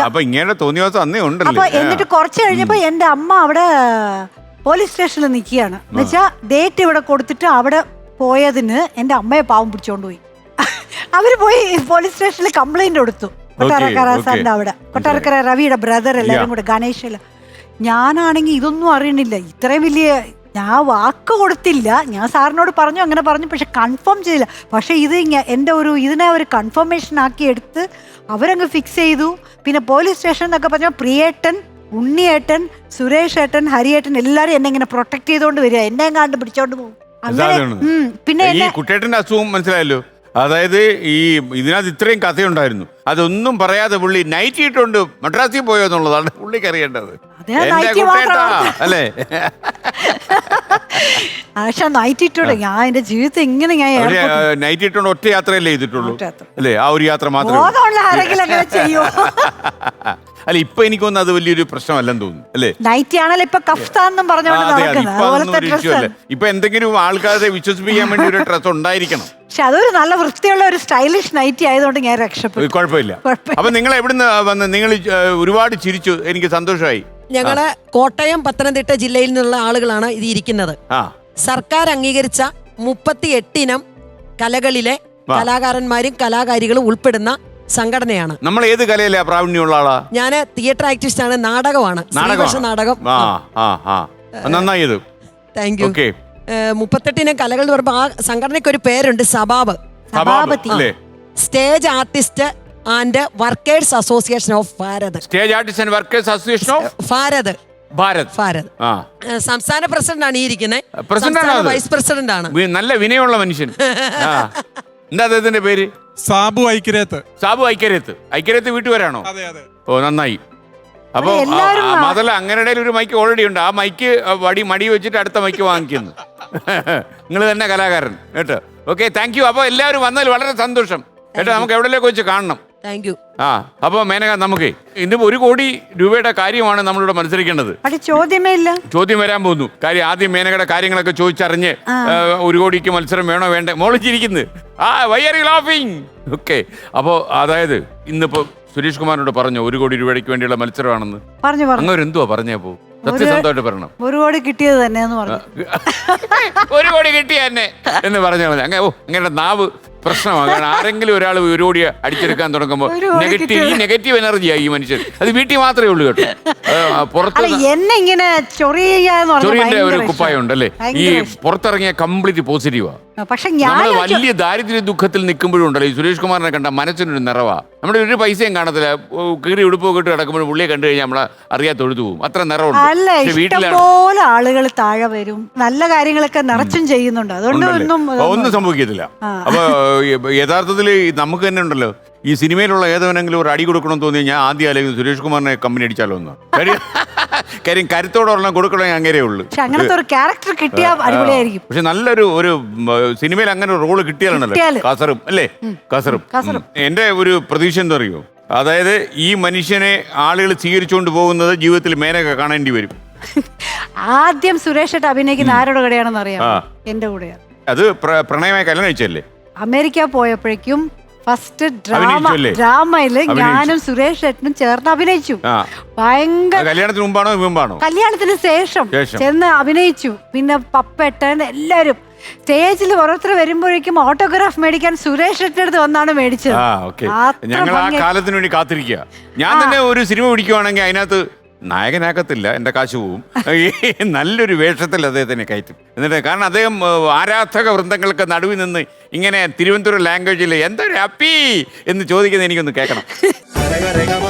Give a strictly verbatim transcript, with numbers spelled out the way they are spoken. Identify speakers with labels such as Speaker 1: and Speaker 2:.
Speaker 1: അപ്പൊ ഇങ്ങനെ തോന്നിയ ദിവസം അന്നേ ഉണ്ടല്ലോ.
Speaker 2: അപ്പൊ എന്നിട്ട് കുറച്ച് കഴിഞ്ഞപ്പോ എന്റെ അമ്മ അവിടെ പോലീസ് സ്റ്റേഷനിൽ നിൽക്കുകയാണ്. എന്നുവെച്ചാ ഡേറ്റ് ഇവിടെ കൊടുത്തിട്ട് അവിടെ പോയതിന് എന്റെ അമ്മയെ പാവം പിടിച്ചോണ്ട് പോയി. അവര് പോയി പോലീസ് സ്റ്റേഷനിൽ കംപ്ലൈന്റ് കൊടുത്തു. കൊട്ടാരക്കര സാറിന്റെ അവിടെ, കൊട്ടാരക്കര രവിയുടെ ബ്രദർ എല്ലാരും കൂടെ, ഗണേശില്. ഞാനാണെങ്കിൽ ഇതൊന്നും അറിയണില്ല. ഇത്രയും വലിയ ഞാൻ വാക്ക് കൊടുത്തില്ല. ഞാൻ സാറിനോട് പറഞ്ഞു, അങ്ങനെ പറഞ്ഞു, പക്ഷെ കൺഫേം ചെയ്തില്ല. പക്ഷെ ഇത് എൻ്റെ ഒരു ഇതിനെ ഒരു കൺഫർമേഷൻ ആക്കി എടുത്ത് അവരങ്ങ് ഫിക്സ് ചെയ്തു. പിന്നെ പോലീസ് സ്റ്റേഷൻ എന്നൊക്കെ പറഞ്ഞാൽ പ്രിയേട്ടൻ, ഉണ്ണിയേട്ടൻ, സുരേഷ് ഏട്ടൻ, ഹരിയേട്ടൻ എല്ലാരും എന്നെ ഇങ്ങനെ പ്രൊട്ടക്ട് ചെയ്തോണ്ട് വരിക, എന്നെ കണ്ട് പിടിച്ചോണ്ട് പോകും. അങ്ങനെ പിന്നെ
Speaker 1: കുട്ടേട്ടന്റെ അസുഖം മനസ്സിലായല്ലോ. അതായത് ഈ ഇതിനകത്ത് ഇത്രയും കഥയുണ്ടായിരുന്നു, അതൊന്നും പറയാതെ പുള്ളി നൈറ്റ് ഇട്ടുണ്ട് മദ്രാസിൽ പോയോ എന്നുള്ളതാണ് പുള്ളിക്ക് അറിയേണ്ടത്. അല്ലേ?
Speaker 2: പക്ഷെ നൈറ്റ് ഇട്ടുണ്ട് ഞാൻ എന്റെ ജീവിതത്തിൽ ഇങ്ങനെ ഞാൻ
Speaker 1: നൈറ്റ് ഇട്ടുണ്ട് ഒറ്റ യാത്രയല്ലേ ചെയ്തിട്ടുള്ളൂ അല്ലേ? ആ ഒരു യാത്ര മാത്രമേ. അല്ല ഇപ്പൊ എനിക്ക് തോന്നുന്നു അത് വലിയൊരു പ്രശ്നമല്ലെന്ന് തോന്നുന്നു അല്ലേ?
Speaker 2: നൈറ്റ് ആണല്ലോ ഇപ്പൊ കഫ്താന്നും പറഞ്ഞോണ്ട്.
Speaker 1: ഇപ്പൊ എന്തെങ്കിലും ആൾക്കാരെ വിശ്വസിപ്പിക്കാൻ വേണ്ടി ഒരു ഡ്രസ് ഉണ്ടായിരിക്കണം.
Speaker 2: പക്ഷെ അതൊരു നല്ല വൃത്തിയുള്ള ഒരു സ്റ്റൈലിഷ് നൈറ്റി ആയതുകൊണ്ട് ഞാൻ രക്ഷപ്പെട്ടു.
Speaker 1: കുഴപ്പമില്ല. അപ്പൊ നിങ്ങൾ എവിടുന്ന് വന്ന്? നിങ്ങൾ ഒരുപാട് ചിരിച്ചു, എനിക്ക് സന്തോഷമായി.
Speaker 3: ഞങ്ങള് കോട്ടയം, പത്തനംതിട്ട ജില്ലയിൽ നിന്നുള്ള ആളുകളാണ് ഇത് ഇരിക്കുന്നത്. സർക്കാർ അംഗീകരിച്ച മുപ്പത്തി എട്ടിനം കലകളിലെ കലാകാരന്മാരും കലാകാരികളും ഉൾപ്പെടുന്ന സംഘടനയാണ്.
Speaker 1: നമ്മൾ ഏത് കലയിലാ പ്രാവീണ്യമുള്ള ആളാ?
Speaker 3: ഞാന് തിയേറ്റർ ആർട്ടിസ്റ്റ് ആണ്, നാടകമാണ്, നാടകം.
Speaker 1: നന്നായത്.
Speaker 3: Thank you. മുപ്പത്തെട്ടിനം കലകൾ എന്ന് പറയുമ്പോൾ ആ സംഘടനയ്ക്ക് ഒരു പേരുണ്ട്, Sabab. Stage artist and workers association of Bharat.
Speaker 1: Stage artist and workers association of
Speaker 3: Bharat.
Speaker 1: Bharat
Speaker 3: Bharat സംസ്ഥാന പ്രസിഡന്റ് ആണ് ഈ ഇരിക്കുന്നത്. വൈസ് പ്രസിഡന്റ് ആണ്.
Speaker 1: നല്ല വിനയമുള്ള മനുഷ്യൻ. എന്താ അദ്ദേഹത്തിന്റെ പേര്?
Speaker 4: സാബു ഐക്യരേത്ത്.
Speaker 1: സാബു ഐക്യരേത്ത്. ഐക്യരേത്ത് വീട്ടുപേരാണോ? ഓ നന്നായി. അപ്പൊ മാത്രല്ല അങ്ങനെ ഒരു മൈക്ക് ഓൾറെഡി ഉണ്ട്. ആ മൈക്ക് വടി മടി വെച്ചിട്ട് അടുത്ത മൈക്ക് വാങ്ങിക്കുന്നു. നിങ്ങൾ തന്നെ കലാകാരൻ കേട്ടോ. Okay, thank you. അപ്പൊ എല്ലാവരും വന്നതിൽ വളരെ സന്തോഷം കേട്ടോ. നമുക്ക് എവിടെയൊക്കെ വെച്ച് കാണണം.
Speaker 3: Thank you.
Speaker 1: ആ അപ്പൊ മേനക, നമുക്ക് ഇന്ന് ഒരു കോടി രൂപയുടെ കാര്യമാണ് നമ്മളിവിടെ മത്സരിക്കേണ്ടത്.
Speaker 2: ചോദ്യമേ ഇല്ല.
Speaker 1: ചോദ്യം വരാൻ പോകുന്നു. കാര്യം ആദ്യം മേനകയുടെ കാര്യങ്ങളൊക്കെ ചോദിച്ചറിഞ്ഞ് ഒരു കോടിക്ക് മത്സരം വേണോ വേണ്ട മോളിച്ചിരിക്കുന്നത്. ആ വൈ ആർ യു ലാഫിങ്? ഓക്കെ, അപ്പോ അതായത് ഇന്നിപ്പോ സുരേഷ് കുമാറിനോട് പറഞ്ഞു ഒരു കോടി രൂപയ്ക്ക് വേണ്ടിയുള്ള മത്സരമാണെന്ന് പറഞ്ഞു. അങ്ങനെ എന്തുവാ പറഞ്ഞപ്പോ? സത്യസന്ധമായിട്ട് പറയണം.
Speaker 2: ഒരു കോടി കിട്ടിയത് തന്നെ
Speaker 1: ഒരു കോടി കിട്ടിയ തന്നെ എന്ന് പറഞ്ഞു. അങ്ങനെ ഓ അങ്ങനെ നാവ് പ്രശ്നമാണ്. കാരണം ആരെങ്കിലും ഒരാൾ ഒരു കോടി അടിച്ചെടുക്കാൻ തുടങ്ങുമ്പോൾ നെഗറ്റീവ് ഈ നെഗറ്റീവ് എനർജിയായി ഈ മനുഷ്യൻ. അത് വീട്ടിൽ മാത്രമേ ഉള്ളൂ കേട്ടോ. പുറത്ത് ചൊറിയന്റെ ഒരു കുപ്പായം ഉണ്ടല്ലേ, ഈ പുറത്തിറങ്ങിയ കംപ്ലീറ്റ് പോസിറ്റീവാ.
Speaker 2: പക്ഷെ
Speaker 1: നമ്മള് വലിയ ദാരിദ്ര്യ ദുഃഖത്തിൽ നിൽക്കുമ്പോഴും ഉണ്ടല്ലോ ഈ സുരേഷ് കുമാറിനെ കണ്ട മനസ്സിനൊരു നിറവാ. നമ്മുടെ ഒരു പൈസയും കാണത്തില്ല. കീറി ഉടുപ്പൊക്കെ ഇട്ട് കിടക്കുമ്പോഴും പുള്ളിയെ കണ്ടു കഴിഞ്ഞാൽ നമ്മളെ അറിയാതെ തൊഴുതു പോകും. അത്ര നിറവുണ്ട്.
Speaker 2: ഇഷ്ടംപോലെ ആളുകൾ താഴെ വരും, നല്ല കാര്യങ്ങളൊക്കെ നിറച്ചും ചെയ്യുന്നുണ്ട്. അതുകൊണ്ട്
Speaker 1: ഒന്നും സംഭവിക്കത്തില്ല. അപ്പൊ യഥാർത്ഥത്തിൽ നമുക്ക് തന്നെ ഉണ്ടല്ലോ ഈ സിനിമയിലുള്ള ഏതവനെങ്കിലും ഒരു അടി കൊടുക്കണം തോന്നി ഞാൻ ആദ്യം അല്ലെങ്കിൽ സുരേഷ് കുമാറിനെ കമ്പനി അടിച്ചാലോ ഒന്ന്. കാര്യം കരുത്തോടെ കൊടുക്കണേ അങ്ങനെയേ ഉള്ളൂ.
Speaker 2: അങ്ങനത്തെ ഒരു ക്യാരക്ടർ കിട്ടിയാൽ അടിപൊളിയായിരിക്കും.
Speaker 1: പക്ഷെ നല്ലൊരു ഒരു സിനിമയിൽ അങ്ങനെ ഒരു റോള് കിട്ടിയാലുണ്ടല്ലോ കാസറും അല്ലേ, കാസറും. എന്റെ ഒരു പ്രതീക്ഷ എന്താ അറിയോ? അതായത് ഈ മനുഷ്യനെ ആളുകൾ സ്വീകരിച്ചുകൊണ്ട് പോകുന്നത് ജീവിതത്തിൽ മേനക കാണേണ്ടി വരും.
Speaker 2: ആദ്യം സുരേഷ് ഏട്ടൻ അഭിനയിക്കുന്ന ആരുടെ കൂടെയാണെന്ന് അറിയാം? എന്റെ കൂടെയാണ്.
Speaker 1: അത് പ്രണയമായി കല്യാണം കഴിച്ചല്ലേ?
Speaker 2: അമേരിക്ക പോയപ്പോഴേക്കും ഫസ്റ്റ് ഡ്രാമ ഡ്രാമയില് ഞാനും സുരേഷ് ഏട്ടനും ചേർന്ന് അഭിനയിച്ചു. ഭയങ്കര.
Speaker 1: കല്യാണത്തിന് മുമ്പാണോ മുമ്പാണോ?
Speaker 2: കല്യാണത്തിന് ശേഷം ചെന്ന് അഭിനയിച്ചു. പിന്നെ പപ്പേട്ടൻ എല്ലാരും സ്റ്റേജിൽ ഓരോരുത്തർ വരുമ്പോഴേക്കും ഓട്ടോഗ്രാഫ് മേടിക്കാൻ സുരേഷ് ഏട്ടൻ്റെ അടുത്ത് വന്നാണ് മേടിച്ചത്.
Speaker 1: ഞങ്ങൾ ആ കാലത്തിന് വേണ്ടി കാത്തിരിക്കുക. ഞാൻ തന്നെ ഒരു സിനിമ പിടിക്കുവാണെങ്കിൽ അതിനകത്ത് നായകനാക്കത്തില്ല, എൻ്റെ കാശ് പോവും. നല്ലൊരു വേഷത്തിൽ അദ്ദേഹത്തിനെ കയറ്റും. എന്നിട്ട് കാരണം അദ്ദേഹം ആരാധക വൃന്ദങ്ങൾക്ക് നടുവിൽ നിന്ന് ഇങ്ങനെ തിരുവനന്തപുരം ലാംഗ്വേജിൽ എന്തൊരു ഹാപ്പി എന്ന് ചോദിക്കുന്നത് എനിക്കൊന്ന് കേൾക്കണം.